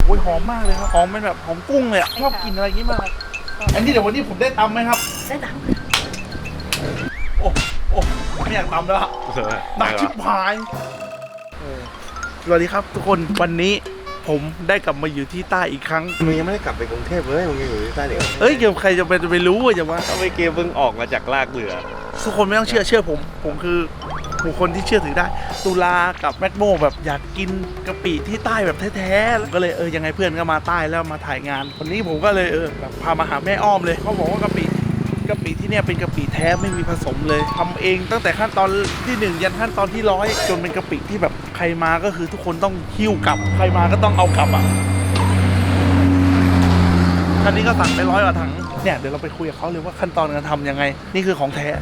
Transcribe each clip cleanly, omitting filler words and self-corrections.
อ้ยหอมมากเลยครับหอมเป็นแบบหอมกุ้งเลยชอบกินอะไรอย่างนี้มากอันนี้เดี๋ยววันนี้ผมได้ตำไหมครับได้ตำโอ้ไม่อยากตำแล้วหนักชิบหายสวัสดีครับทุกคนวันนี้ผมได้กลับมาอยู่ที่ใต้อีกครั้งมึงยังไม่ได้กลับไปกรุงเทพเลยมึงยังอยู่ที่ใต้เดี๋ยวเดี๋ยวใครจะไปรู้อะจะว่าเอาไปเกมมึงออกมาจากลากเรือทุกคนไม่ต้องเชื่อผมคือบุคคลที่เชื่อถือได้ตุลากับแมทโมแบบอยากกินกะปิที่ใต้แบบแท้ๆก็เลยยังไงเพื่อนก็มาใต้แล้วมาถ่ายงานวันนี้ผมก็เลยแบบพามาหาแม่อ้อมเลยเขาบอกว่ากะปิที่เนี่ยเป็นกะปิแท้ไม่มีผสมเลยทำเองตั้งแต่ขั้นตอนที่1ยันขั้นตอนที่100จนเป็นกะปิที่แบบใครมาก็คือทุกคนต้องหิ้วกลับใครมาก็ต้องเอากลับอ่ะคันนี้ก็สั่งไป100 กว่าถังเนี่ยเดี๋ยวเราไปคุยกับเขาเลยว่าขั้นตอนการทำยังไงนี่คือของแท้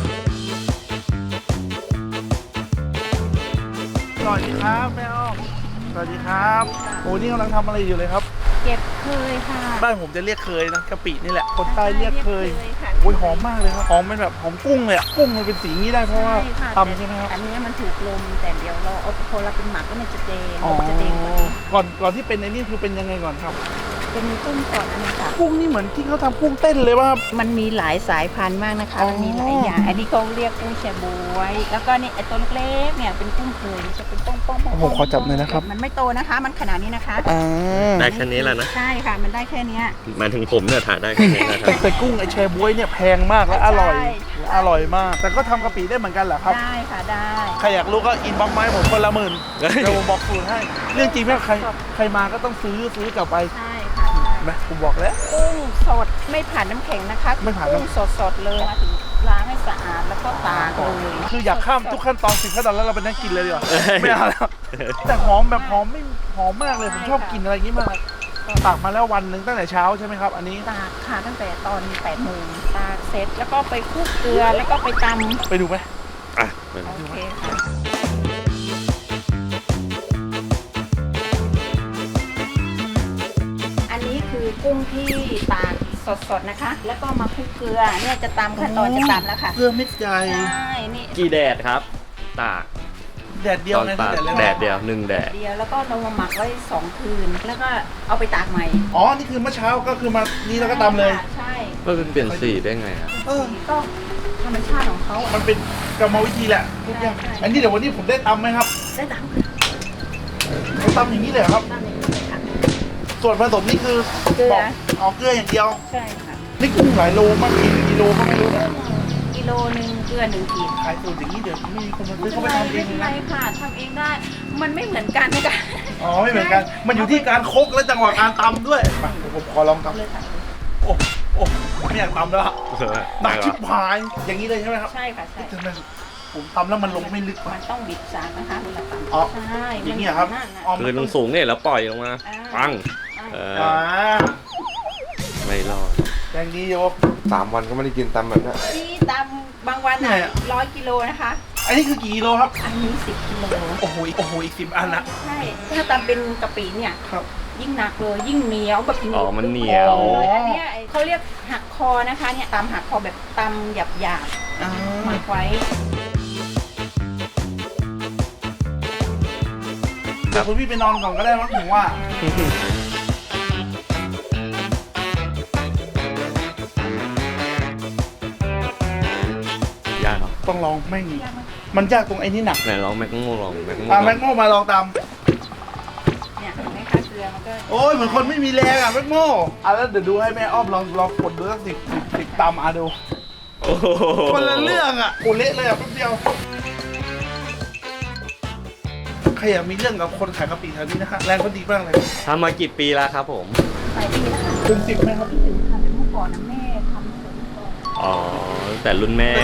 สวัสดีครับแม่อ้อมสวัสดีครับโอ้นี่กำลังทำอะไรอยู่เลยครับเก็บเคยค่ะบ้านผมจะเรียกเคยนะกะปินี่แหละคนใต้เรียกเคยโอ้ยหอมมากเลยครับหอมเป็นแบบหอมกุ้งเลยอะกุ้งมันเป็นสีนี้ได้เพราะว่าตำใช่ไหมครับอันนี้มันถูกลมแต่เดี๋ยวเราเอาพอเราเป็นหมักแล้วมันจะแดงก่อนที่เป็นในนี่คือเป็นยังไงก่อนครับเป็นกุ้งก่อนนะค่ะกุ้งนี่เหมือนที่เขาทำกุ้งเต้นเลยว่ามันมีหลายสายพันธุ์มากนะคะมันมีหลายอย่างอันนี้เขาเรียกกุ้งแชบวยแล้วก็นี่ไอตัวเล็กเนี่ยเป็นกุ้งเคยจะเป็นป้องผมขอจับหน่อยนะครับมันไม่โตนะคะมันขนาดนี้นะคะได้แค่นี้แหละนะใช่ค่ะมันได้แค่นี้มาถึงผมเนี่ยถ่ายได้แค่นี้นะครับแต่กุ้งไอแชบวยเนี่ยแพงมากและอร่อยมากแต่ก็ทำกะปิได้เหมือนกันเหรอครับได้ค่ะได้ใครอยากรู้ก็อินบ็อกซ์ไม้ผมคนละ10,000เดี๋ยวผมบอกสูตรให้เรื่องจริงแม่ใครมาก็ต้องซื้อกลับไปใช่ค่ะไหมผมบอกแล้วกุ้งสดไม่ผ่านน้ำแข็งนะคะกุ้งสดเลยมาถึงล้างให้สะอาดแล้วก็ตากเลยคืออยากข้ามทุกขั้นตอน10 ขั้นตอนแล้วเราไปนั่งกินเลยดีกว่าไม่เอาแล้วแต่หอมแบบหอมไม่หอมมากเลยผมชอบกินอะไรอย่างนี้มากตากมาแล้ววันหนึ่งตั้งแต่เช้าใช่ไหมครับอันนี้ตากค่ะตั้งแต่ตอน8 โมงตากเสร็จแล้วก็ไปคลุกเกลือแล้วก็ไปตำไปดูไหมโอเคค่ะอันนี้คือกุ้งที่ตากสดๆนะคะแล้วก็มาคลุกเกลือเนี่ยจะตำขั้นตอนจะตำแล้วค่ะเกลือเม็ดใหญ่ใช่นี่กี่แดดครับตากแดดเดียวนะแดดเดียว1 แดดแล้วก็เรามาหมักไว้2 คืนแล้วก็เอาไปตากใหม่นี่คือเมื่อเช้าก็คือมานี่แล้วก็ตำเลยใช่ก็เป็นเปลี่ยนสีได้ไงอ่ะก็ธรรมชาติของเขามันเป็นกรรมวิธีแหละทุกอย่างอันนี้เดี๋ยววันนี้ผมได้ตำไหมครับได้ตำเขาตำอย่างนี้เลยครับส่วนผสมนี่คือเกลือเกลืออย่างเดียวใช่ค่ะนี่กุ้งหลายโลมากกิโลก็ไม่รู้นะกิโลนึงเกลือ1 ขีดขายสูตรอย่างนี้เดี๋ยวไม่มีคนมาซื้อเขาไปทำเองนะไม่ค่ะทำเองได้มันไม่เหมือนกันนะคะไม่เหมือนกันมันอยู่ที่การคลุกและจังหวะการตำด้วยผมขอลองตำเลยค่ะไม่อยากตำแล้วหนักชิบหายอย่างนี้เลยใช่ไหมครับใช่ค่ะใช่ผมตำแล้วมันลงไม่ลึกมันต้องบิดสารนะคะเวลาตำใช่อย่างนี้ครับคือลงสูงเนี่ยแล้วปล่อยลงมาปังไม่รอดอย่างนี้โย 3 วันก็ไม่ได้กินตำแบบนี้นี่ตำบางวัน100 กิโลนะคะอันนี้คือกี่กิโลครับอันนี้10 กิโลโอ้โหอีก10 อันละใช่ถ้าตำเป็นกะปิเนี่ยยิ่งหนักเลยยิ่งเหนียวแบบมันเหนียวอันนี้เขาเรียกหักคอนะคะเนี่ยตำหักคอแบบตำหยาบหมักไว้เดี๋ยวคุณพี่ไปนอนก่อนก็ได้มั้งผมว่ายากเหรอต้องลองแม่งมันยากตรงไอ้นี่หนักไหนลองแม็กโม่ลองแม็กโม่มาลองตามเนี่ยเห็นไหมคะเกลือมันก็เหมือนคนไม่มีแรงแม็กโม่แล้วเดี๋ยวดูให้แม่อ้อมลองกดดูสัก10 ตามดูคนละเรื่องเละเลยแป๊บเดียวใครอยากมีเรื่องกับคนขายกะปิแถวนี้นะคะแรงเขาดีมากเลยทำมากี่ปีแล้วครับผมหลายปีแล้วค่ะถึง10ไหมครับถึงค่ะเป็นเมื่อก่อนนะแม่ทำส่วนก่อนแต่รุ่นแม่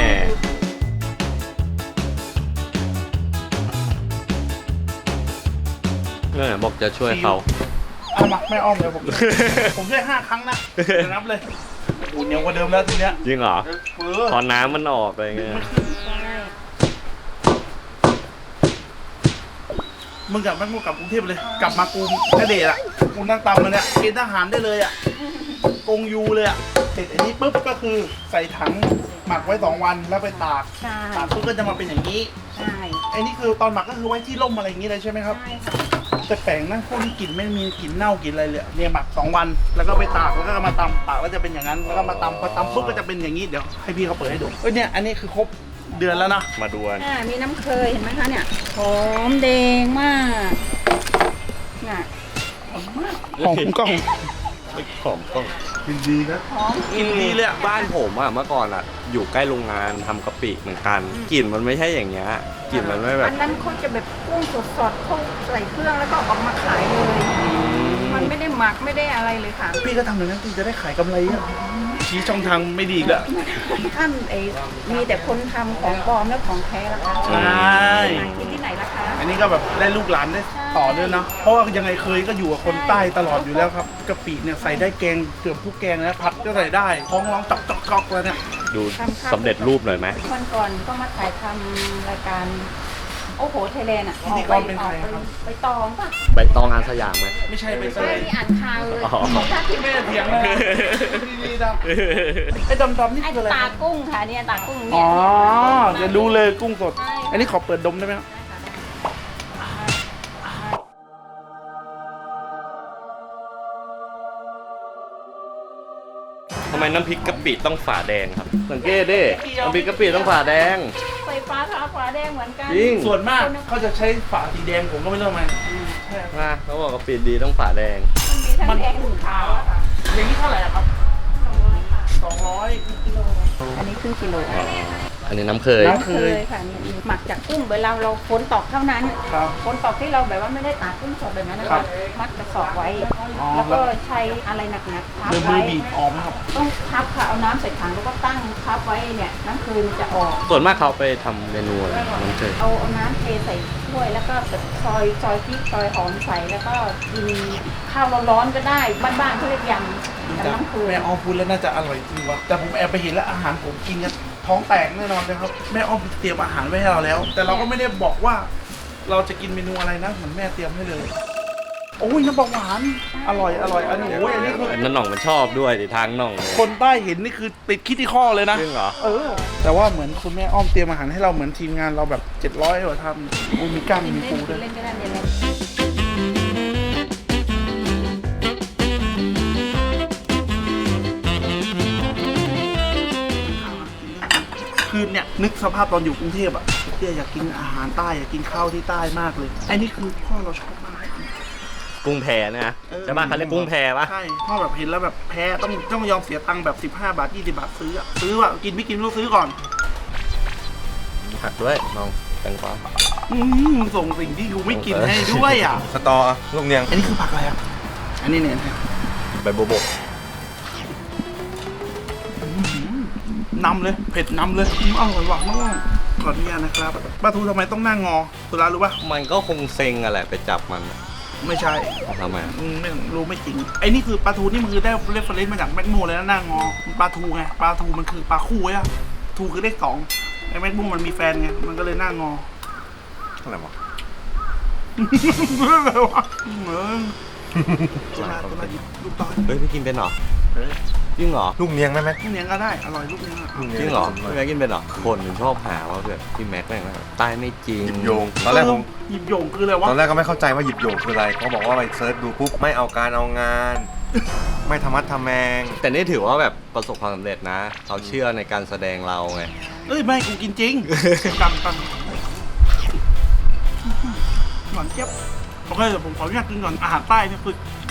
เรื่องไหนบอกจะช่วยเขามาแม่อ้อมเลยผมช่วย5 ครั้งนะนับเลยเหนียวกว่าเดิมแล้วทีเนี้ยจริงเหรอพอน้ำมันออกอะไรเงี้ยมึงกลับแม่งกลับกรุงเทพเลยกลับมากูแค่เดชกูนั่งตำมาเนี่ยกินทหารได้เลยกงยูเลยเสร็จอันนี้ปุ๊บก็คือใส่ถังหมักไว้2 วันแล้วไปตากปุ๊บก็จะมาเป็นอย่างนี้ใช่ไอ้นี่คือตอนหมักก็คือไว้ที่ร่มอะไรอย่างนี้เลยใช่ไหมครับแต่แปลงนะพวกนี้กลิ่นไม่มีกลิ่นเน่ากลิ่นอะไรเลยเนี่ยหมัก2 วันแล้วก็ไปตากแล้วก็มาตำตากแล้วจะเป็นอย่างนั้นแล้วก็มาตำพอตำปุ๊บก็จะเป็นอย่างนี้เดี๋ยวให้พี่เขาเปิดให้ดูเนี่ยอันนี้คือครบเดือนแล้วนะมาดูกันมีน้ำเคยเห็นไหมคะเนี่ยหอมแดงมากเนี่ยหอมมากหอมกล้องหอมต้องกินดีนะหอมกินดีเลยอะบ้านผมอะเมื่อก่อนอะอยู่ใกล้โรงงานทำกะปิเหมือนกันกลิ่นมันไม่ใช่อย่างเงี้ยกลิ่นมันไม่แบบอันนั้นเขาจะแบบกุ้งสดๆเขาใส่เครื่องแล้วก็ออกมาขายเลย มันไม่ได้หมักไม่ได้อะไรเลยค่ะพี่ก็ทำอย่างนั้นพี่จะได้ขายกำไรอะชี้ช่องทางไม่ดีอีกแล้วท่านมีแต่คนทำของปลอมและของแท้ละคะใช่หากินที่ไหนล่ะคะอันนี้ก็แบบได้ลูกหลานได้ต่อด้วยเนาะเพราะว่ายังไงเคยก็อยู่กับคนใต้ตลอดอยู่แล้วครับกะปิเนี่ยใส่ได้แกงเกือบทุกแกงนะผัดก็ใส่ได้ท้องร้องจอกๆแล้วเนี่ยดูสำเร็จรูปหน่อยไหมวันก่อนก็มาถ่ายทำรายการโอ้โหไทยแลนด์อ่ะพิธีกรเป็นใครครับไปตองป่ะใบตองงานสยามไหมไม่ใช่ไปไม่เลใช่ยที่อ่านข่าวเลยอ๋อถ้าที่ไม่ได้เถียงเลยดีๆดำไอ้ดำๆนี่ไอ้คืออะไรตากุ้งค่ะเนี่ยตากุ้งอ๋เนี่อย จะรู้เลยกุ้งสดใช่อันนี้ขอเปิดดมได้ไหมครับทำไมน้ำพริกกะปิต้องฝาแดงครับสังเกตดิน้ำพริกกะปิต้องฝาแดงไฟฟ้าทาฟ้าแดงเหมือนกันจริงส่วนมากเขาจะใช้ฝาสีแดงผมก็ไม่รู้ทำไมใช่นะเขาบอกกะปิดีต้องฝาแดงมันมีทั้งแดงหนึ่งขาวอะค่ะอย่างนี้เท่าไหร่อะครับ 200 กิโลอันนี้ครึ่งกิโลอันนี้น้ำเคยน้ำ เคยค่ะนี่หมักจากกุ้งเวลาเราฝนตกเท่านั้นครับฝนตกที่เราแบบว่าไม่ได้ตากกุ้งสดแบบนั้นนะครัคะบมัดกระสอบไว้อ๋อแล้วก็ใช้อะไรหนักๆทับเดินมืไว้อบีบออมครับต้องทับค่ะเอาน้ำใส่ถังแล้วก็ตั้งทับไว้เนี่ยน้ำคืนจะออกส่วนมากเขาไปทำเมนูอะไรน้ำเคยเอาน้ำเทใส่ถ้วยแล้วก็แบบซอยพริกซอยหอมใส่แล้วก็กินข้าวร้อนๆก็ได้บ้านๆเขาเรียกยำกับน้ำคืนแม่อ้อมพูดแล้วน่าจะอร่อยจริงวะแต่ผมแอบไปเห็นแล้วอาหารผมกินกันท้องแตกแน่นอนเลยครับแม่อ้อมเตรียมอาหารไว้ให้เราแล้ว แต่เราก็ไม่ได้บอกว่า เราจะกินเมนูอะไรนะเหมือนแม่เตรียมให้เลยโอ้ยน้ำปลาหวานอร่อยอันนี้โอ้ยอันนี้คือนั่นหน่องมันชอบด้วยดิทางหน่องเลยคนใต้เห็นนี่คือติดคิดที่ข้อเลยนะจริงเหรอแต่ว่าเหมือนคุณแม่อ้อมเตรียมอาหารให้เราเหมือนทีมงานเราแบบ700กว่าทำมีกั้งมีปูด้วยเล่นก็ได้เล่นคือเนี่ยนึกสภาพตอนอยู่กรุงเทพอ่ะเตี้ยอยากกินอาหารใต้อยากกินข้าวที่ใต้มากเลยไอ้นี่คือพ่อเราชอบมากกุ้งแพนะใช่ป่ะเขาเรียกกุ้งแพป่ะใช่พ่อแบบเห็นแล้วแบบแพ้ต้องยอมเสียตังค์แบบ15 บาท20 บาทซื้ออะซื้อว่ะกินไม่กินไม่รู้ซื้อก่อนผักด้วยน้องแตงกวามึงส่งสิ่งที่กูไม่กินให้ด้วยอ่ะสตอลูกเนียงอันนี้คือผักอะไรอ่ะอันนี้เนี่ยใบโบโบกนำเลยเผ็ดนำเลยอร่อยหวานมากขออนุญาตนะครับปลาทูทำไมต้องนั่งงอสุรารู้ป่ะมันก็คงเซ็งอะแหละไปจับมันอะไม่ใช่ทำไมไม่รู้ไม่จริงไอ้นี่คือปลาทูนี่มันคือได้เรฟเฟรนซ์มาจากแมกโมเลยนะหน้างอมันปลาทูไงปลาทูมันคือปลาคู่อะทูคือเลข2ไอ้แมกโมมันมีแฟนไงมันก็เลยหน้างออะไรวะอะไรวะตัวนาหยิบลูกตอนเฮ้ยพี่กินเป็นเหรอจริงเหรอลูกเนียงได้ไหมลูกเนี้ยก็ได้อร่อยลูกเนี้ยอะลูกจเนียริงเหรอพี่แม็กกินเป็นเหรอคนถึงชอบหาว่าแบบพี่แม็กแม่งแบบใต้ไม่จริงหยิบโยงตอนแรกผมหยิบโยงคืออะไรวะตอนแรกก็ไม่เข้าใจว่าหยิบโยงคืออะไรเขาบอกว่าไปเซิร์ชดูปุ๊บไม่เอาการเอางาน ไม่ทำมัดทำแมงแต่นี่ถือว่าแบบประสบความสำเร็จนะเขาเชื่อในการแสดงเราไงเอ้ยไม่กูกินจริงตังหวานเจี๊ยบโอเคเดี๋ยวผมขออนุญาตกินก่อนอาหารใต้เนี่ยคือ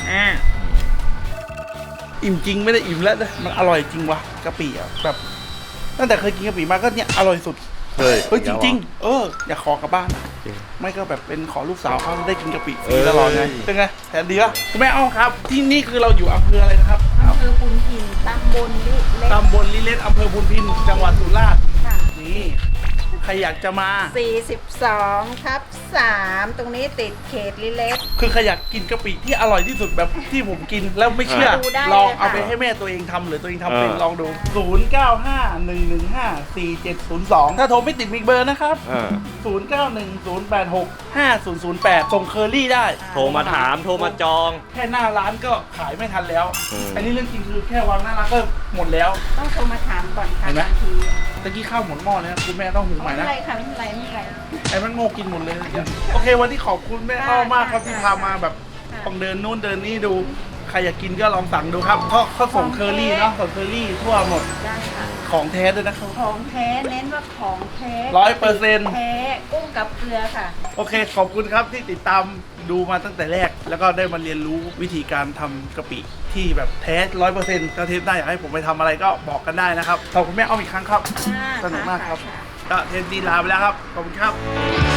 อิ่มจริงไม่ได้อิ่มแล้วนะมันอร่อยจริงวะกะปิอ่ะแบบตั้งแต่เคยกินกะปิมาก็เนี่ยอร่อยสุดเฮ้ยเฮ้ยจริงๆอยากขอกลับบ้านอ่ะจริงไม่ก็แบบเป็นขอลูกสาวเขาได้กินกะปิฟเอรีอตลอดไงเป็นไงแผนดีป่ะคุณแม่อ้อมครับ ที่นี่คือเราอยู่อำเภออะไรนะครับอำเภอปุนพินตำบลลิเล็กตำบลลิเลศอำเภอพุนพินจังหวัดสุราษฎร์ค่ะนี่ใครอยากจะมา 42/3 ตรงนี้ติดเขตลิเล็กคือใครอยากกินกะปิที่อร่อยที่สุดแบบที่ผมกินแล้วไม่เชื่อดูได้ลองเลยค่ะเอาไปให้แม่ตัวเองทำหรือตัวเองทำเป็นลองดู 0951154702 ถ้าโทรไม่ติดมิกเบอร์นะครับอ่า 0910865008 ส่งเคอรี่ได้โทรมาถามโทรมาจองแค่หน้าร้านก็ขายไม่ทันแล้วอืมอันนี้เรื่องจริงคือแค่วางหน้าร้านก็หมดแล้วต้องโทรมาถามก่อนค่ะเห็นไหมบางทีตะกี้ข้าวหมดหม้อเลยนะคุณแม่ต้องหุงใหไม่ม่เป็นนะไรค่ะไม่เป็นไรไม่เป็นไรไอ้มันโง่กินหมดเลยโอเควันนี้ขอบคุณแม่อ้อมากครับที่พามาแบบต้องเดินนู่นเดินนี่ดูใครอยากกินก็ลองสั่งดูครับเพราะเขาส่งเคอรี่เนาะส่งเคอรี่ทั่วหมดได้ค่ะของแท้ด้วยนะครับของแท้เน้นว่าของแท้ 100% แท้กุ้งกับเกลือค่ะโอเคขอบคุณครับที่ติดตามดูมาตั้งแต่แรก แล้วก็ได้มาเรียนรู้วิธีการทำกะปิที่แบบแท้ 100%ถ้าเทปหน้าอยากให้ผมไปทำอะไรก็บอกกันได้นะครับขอบคุณแม่อ้อมอีกครั้งครับ สนุกมากครับ ก็เทปดีลาไปแล้วครับขอบคุณครับ